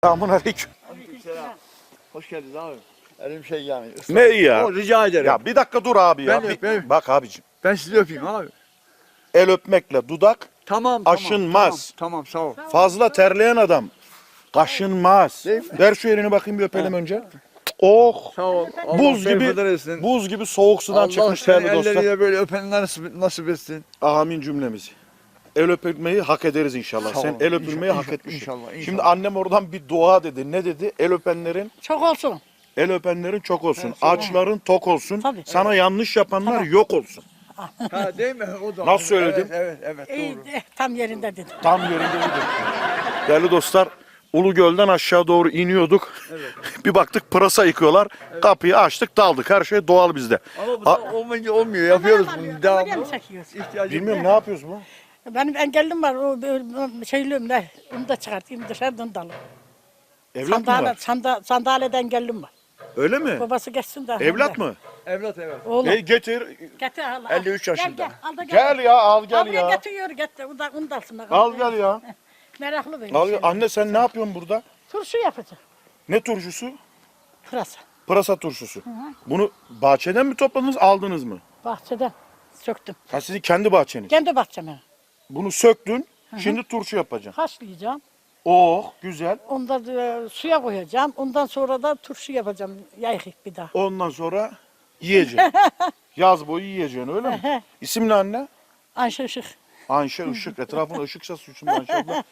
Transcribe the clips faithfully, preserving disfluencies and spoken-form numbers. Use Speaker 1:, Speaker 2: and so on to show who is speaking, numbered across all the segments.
Speaker 1: Selamünaleyküm.
Speaker 2: Aleykümselam. Hoş geldiniz abi. Elim şey yani. ıslak.
Speaker 1: Ne iyi ya?
Speaker 2: O, rica ederim.
Speaker 1: Ya bir dakika dur abi ya.
Speaker 2: Ben
Speaker 1: Bir-
Speaker 2: öpeyim.
Speaker 1: Bak abicim.
Speaker 2: Ben sizi öpeyim abi.
Speaker 1: El öpmekle dudak
Speaker 2: Tamam
Speaker 1: Aşınmaz.
Speaker 2: Tamam, tamam sağ ol.
Speaker 1: fazla terleyen adam kaşınmaz.
Speaker 2: Değil mi?
Speaker 1: Ver şu elini bakayım bir öpelim önce. Oh.
Speaker 2: Sağ ol. Allah
Speaker 1: Buz gibi
Speaker 2: berhudar etsin.
Speaker 1: buz gibi soğuk sudan
Speaker 2: Allah
Speaker 1: çıkmış
Speaker 2: seni
Speaker 1: değerli dostlar.
Speaker 2: elleriyle böyle öpenler nasip, nasip etsin.
Speaker 1: Amin cümlemizi. El öpülmeyi hak ederiz inşallah.
Speaker 2: Sağ
Speaker 1: Sen
Speaker 2: ol.
Speaker 1: el öpülmeyi
Speaker 2: İnşallah,
Speaker 1: hak etmişsin.
Speaker 2: inşallah, inşallah.
Speaker 1: Şimdi annem oradan bir dua dedi. Ne dedi? El öpenlerin
Speaker 3: Çok olsun.
Speaker 1: el öpenlerin çok olsun. Açların tok olsun.
Speaker 3: Tabii.
Speaker 1: Sana yanlış yapanlar yok olsun.
Speaker 2: Ha değil mi? O da.
Speaker 1: Nasıl söyledim?
Speaker 2: Evet, evet, evet
Speaker 3: İyi,
Speaker 2: doğru.
Speaker 3: eh, tam yerinde dedim.
Speaker 1: Tam yerinde dedi. Değerli dostlar, Ulugöl'den aşağı doğru iniyorduk. Bir baktık pırasa yıkıyorlar. Kapıyı açtık, daldık. Her şey doğal bizde.
Speaker 2: Ama bu da olmayınca olmuyor. Yapıyoruz bunu.
Speaker 3: Kamera
Speaker 2: Devamlı.
Speaker 3: mı çekiyorsun?
Speaker 2: İhtiyacım
Speaker 1: Bilmiyorum ne yapıyoruz bu?
Speaker 3: Benim engellim var. O o şeyliğim ne? Onu da çıkartayım dışarıdan dalı.
Speaker 1: Evlat mı
Speaker 3: Sandalye,
Speaker 1: var?
Speaker 3: sanda, sandalyede engellim var.
Speaker 1: Öyle mi?
Speaker 3: Babası geçsin de.
Speaker 1: Evlat mı?
Speaker 2: Evlat evet.
Speaker 3: Oğlum.
Speaker 1: E, getir.
Speaker 3: Getir al. al.
Speaker 2: elli üç yaşında.
Speaker 3: Gel gel. Al da gel.
Speaker 1: Gel ya, al gel
Speaker 3: Buraya
Speaker 1: ya.
Speaker 3: getiriyor getir. Onu da, onu da alsın.
Speaker 1: Al gel ya.
Speaker 3: Meraklı böyle
Speaker 1: Al
Speaker 3: şey.
Speaker 1: gel. Anne sen ne yapıyorsun burada?
Speaker 3: Turşu yapacağım.
Speaker 1: Ne turşusu?
Speaker 3: Pırasa.
Speaker 1: Pırasa turşusu. Bunu bahçeden mi topladınız, aldınız mı?
Speaker 3: Bahçeden söktüm.
Speaker 1: Ha sizin kendi bahçeniz.
Speaker 3: Kendi bahçeme.
Speaker 1: Bunu söktün, şimdi turşu yapacaksın.
Speaker 3: Haşlayacağım.
Speaker 1: Oh, güzel.
Speaker 3: Ondan e, suya koyacağım. Ondan sonra da turşu yapacağım. Yayık bir daha.
Speaker 1: Ondan sonra yiyeceksin. Yaz boyu yiyeceksin öyle mi? İsim ne anne?
Speaker 3: Ayşe Işık.
Speaker 1: Ayşe Işık. Etrafında ışıksa suçum Ayşe abla.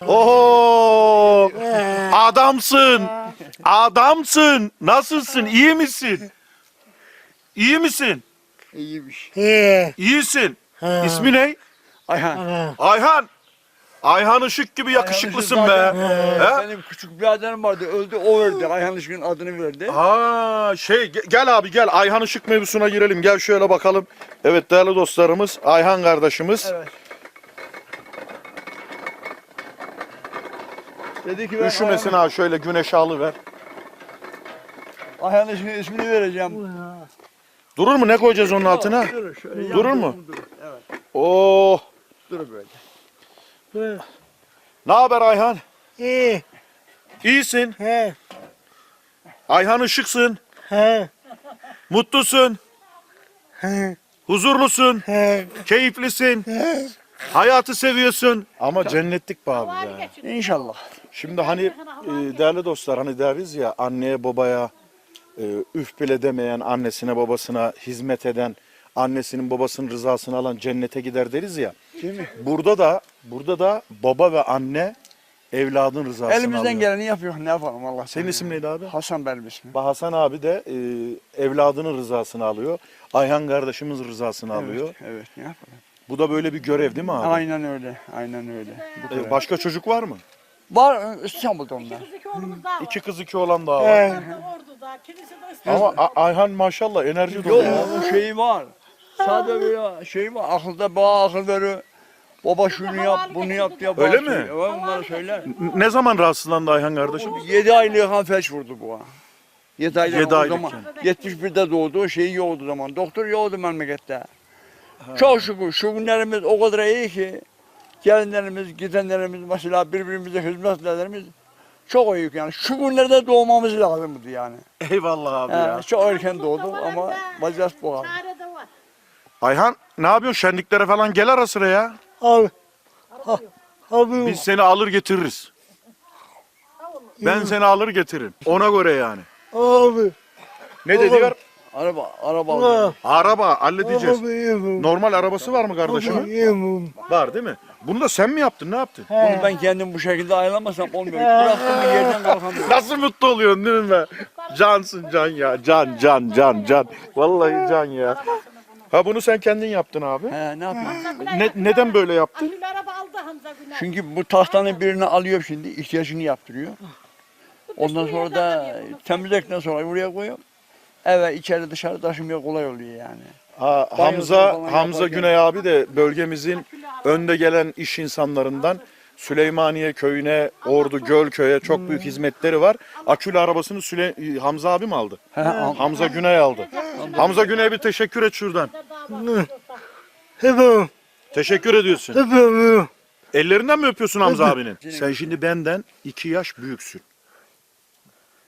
Speaker 1: Oho! Adamsın! Adamsın! Nasılsın? İyi misin? İyi misin?
Speaker 2: İyiymiş.
Speaker 1: İyisin. İsmi ne?
Speaker 2: Ayhan.
Speaker 1: Ayhan. Ayhan Işık gibi yakışıklısın be.
Speaker 2: Ayhan Işık zaten,
Speaker 1: He?
Speaker 2: e, Benim küçük bir adım vardı. Öldü o verdi. Ayhan Işık'ın adını verdi.
Speaker 1: Ha şey ge- gel abi gel Ayhan Işık mevzusuna girelim. Gel şöyle bakalım. Evet değerli dostlarımız Ayhan kardeşimiz.
Speaker 2: Evet. Dedi ki ben
Speaker 1: Üşümesin ha şöyle güneşe alıver.
Speaker 2: Ayhan Işık'ın ismini vereceğim.
Speaker 1: Durur mu? Ne koyacağız onun altına?
Speaker 2: Durur, şöyle
Speaker 1: Durur
Speaker 2: yan
Speaker 1: mu?
Speaker 2: durur. Evet.
Speaker 1: Oh.
Speaker 2: Durur böyle.
Speaker 1: Ne haber Ayhan?
Speaker 4: İyi.
Speaker 1: İyisin.
Speaker 4: He.
Speaker 1: Ayhan Işıksın.
Speaker 4: He.
Speaker 1: Mutlusun.
Speaker 4: He.
Speaker 1: Huzurlusun.
Speaker 4: He.
Speaker 1: Keyiflisin.
Speaker 4: He.
Speaker 1: Hayatı seviyorsun. Ama cennetlik be abi ya.
Speaker 2: İnşallah.
Speaker 1: Şimdi hani e, değerli dostlar hani deriz ya anneye babaya e, üf bile demeyen, annesine babasına hizmet eden, annesinin babasının rızasını alan cennete gider deriz ya.
Speaker 2: Değil mi?
Speaker 1: Burada da burada da baba ve anne evladın rızasını
Speaker 2: Elimizden
Speaker 1: alıyor.
Speaker 2: geleni yapıyor. Ne yapalım Allah.
Speaker 1: Senin isim neydi abi?
Speaker 2: Hasan benim ismim.
Speaker 1: Hasan abi de e, evladının rızasını alıyor. Ayhan kardeşimiz rızasını alıyor.
Speaker 2: Evet, evet. Ne yapalım?
Speaker 1: Bu da böyle bir görev değil mi abi?
Speaker 2: Aynen öyle. Aynen öyle. Bu
Speaker 1: E,
Speaker 2: kadar.
Speaker 1: başka çocuk var mı?
Speaker 2: Var İstanbul'da onlar.
Speaker 3: İki oğlumuz daha var.
Speaker 1: İki kız iki oğlan daha var.
Speaker 4: He.
Speaker 3: Ordu'da, kilise de İstanbul'da.
Speaker 1: Ama A- Ayhan maşallah enerji dolu.
Speaker 2: Yok
Speaker 1: ya.
Speaker 2: onun şeyi var. Sadece böyle şey var. Akılda bana akıl veriyor. Baba şunu yap, bunu yap diye bana
Speaker 1: Öyle mi?
Speaker 2: söylüyor. Evet, bunları söyler.
Speaker 1: N- Ne zaman rahatsızlandı Ayhan kardeşim?
Speaker 2: Yedi aylık kan felç vurdu bu ha. Yedi aylık.
Speaker 1: Yedi
Speaker 2: o
Speaker 1: aylık
Speaker 2: zaman.
Speaker 1: yani.
Speaker 2: yetmiş birde doğdu. Şeyi yoktu zaman. Doktor yoktu memlekette. Çok şükür şu günlerimiz o kadar iyi ki gelinlerimiz, gidenlerimiz mesela birbirimize hizmetlerimiz çok iyi yani. Şu günlerde doğmamız lazımdı yani.
Speaker 1: Eyvallah abi
Speaker 2: He,
Speaker 1: ya.
Speaker 2: çok erken doğduk ama vaziyet bu abi.
Speaker 3: Çare de var.
Speaker 1: Ayhan ne yapıyorsun? Şenliklere falan gel ara sıra ya.
Speaker 4: Abi. Ha. Abi.
Speaker 1: Biz seni alır getiririz. Ben seni alır getiririm. Ona göre yani.
Speaker 4: Abi.
Speaker 1: Ne dedi?
Speaker 2: Araba, araba
Speaker 4: Ha.
Speaker 2: aldım.
Speaker 1: Araba halledeceğiz.
Speaker 4: Abi yemem.
Speaker 1: Normal arabası var mı
Speaker 4: Abi
Speaker 1: kardeşimin?
Speaker 4: yemem.
Speaker 1: Var değil mi? Bunu da sen mi yaptın? Ne yaptın?
Speaker 2: Bunu ben kendim bu şekilde ayarlamasam olmuyor. Bıraktım bir yerden kalkamıyorum.
Speaker 1: Nasıl mutlu oluyorsun değil mi be? Cansın can ya. Can can can can. Vallahi can ya. Ha bunu sen kendin yaptın abi.
Speaker 2: He, ne yapayım?
Speaker 1: Ne, neden böyle yaptın?
Speaker 3: Akülü araba aldı Hamza Güler.
Speaker 2: Çünkü bu tahtanın birini alıyor şimdi, ihtiyacını yaptırıyor. Ondan sonra da temizledikten sonra buraya koyuyorum. Eve içeri dışarı taşımaya kolay oluyor yani.
Speaker 1: Ha,
Speaker 2: Banyoda
Speaker 1: Hamza
Speaker 2: falan
Speaker 1: Hamza
Speaker 2: yaparken-
Speaker 1: Güney abi de bölgemizin önde gelen iş insanlarından. Süleymaniye köyüne, Ordu Gölköy'e çok büyük hizmetleri var. Akülü arabasını Süle Hamza abi mi aldı?
Speaker 2: He, al-
Speaker 1: Hamza Güney aldı. Hamza Güney'e bir teşekkür et şuradan.
Speaker 4: Efendim.
Speaker 1: Teşekkür ediyorsun.
Speaker 4: Efendim.
Speaker 1: Ellerinden mi öpüyorsun Hamza abinin? Sen şimdi benden iki yaş büyüksün.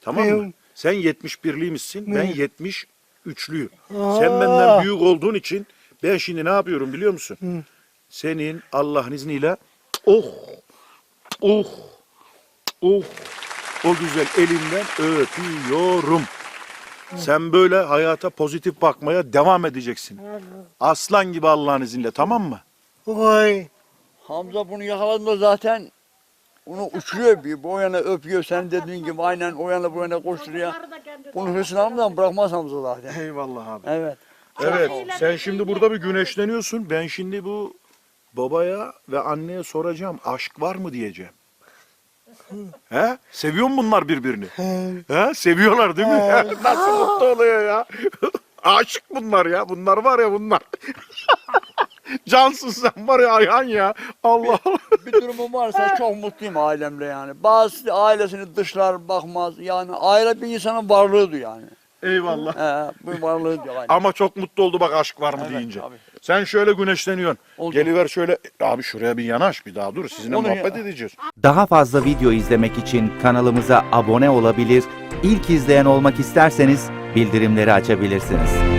Speaker 1: Tamam mı?
Speaker 4: Biliyorum.
Speaker 1: Sen yetmiş birliymişsin, ben yetmiş üçlüyüm.
Speaker 4: Aa.
Speaker 1: Sen benden büyük olduğun için ben şimdi ne yapıyorum biliyor musun?
Speaker 4: Hı.
Speaker 1: Senin Allah'ın izniyle oh, oh, oh, o güzel elinden öpüyorum. Sen böyle hayata pozitif bakmaya devam edeceksin. Aslan gibi Allah'ın izniyle, tamam mı?
Speaker 4: Vay.
Speaker 2: Hamza bunu yakaladığında zaten onu uçuruyor bir. Bu yana öpüyor. Sen dediğin gibi aynen o yana bu yana koşturuyor. Bunu hırsını almadan bırakmaz Hamza zaten.
Speaker 1: Eyvallah abi.
Speaker 2: Evet.
Speaker 1: Evet, sen şimdi burada bir güneşleniyorsun. Ben şimdi bu babaya ve anneye soracağım. Aşk var mı diyeceğim. He? Seviyor mu bunlar birbirini? He? Seviyorlar değil mi? Nasıl mutlu oluyor ya? Aşık bunlar ya. Bunlar var ya bunlar. Cansın sen var ya Ayhan ya. Allah Allah.
Speaker 2: Bir durumum varsa çok mutluyum ailemle yani. Bazı ailesini dışlar bakmaz. Yani aile bir insanın varlığıdır yani.
Speaker 1: Eyvallah.
Speaker 2: He, bu varlığı diyor.
Speaker 1: Ama çok mutlu oldu bak aşk var mı
Speaker 2: Evet,
Speaker 1: deyince.
Speaker 2: tabii.
Speaker 1: Sen şöyle güneşleniyorsun.
Speaker 2: Oldu.
Speaker 1: Geliver şöyle. Abi şuraya bir yanaş bir daha dur. Sizinle
Speaker 2: Onu
Speaker 1: muhabbet
Speaker 2: ya.
Speaker 1: edeceğiz.
Speaker 5: Daha fazla video izlemek için kanalımıza abone olabilir, ilk izleyen olmak isterseniz bildirimleri açabilirsiniz.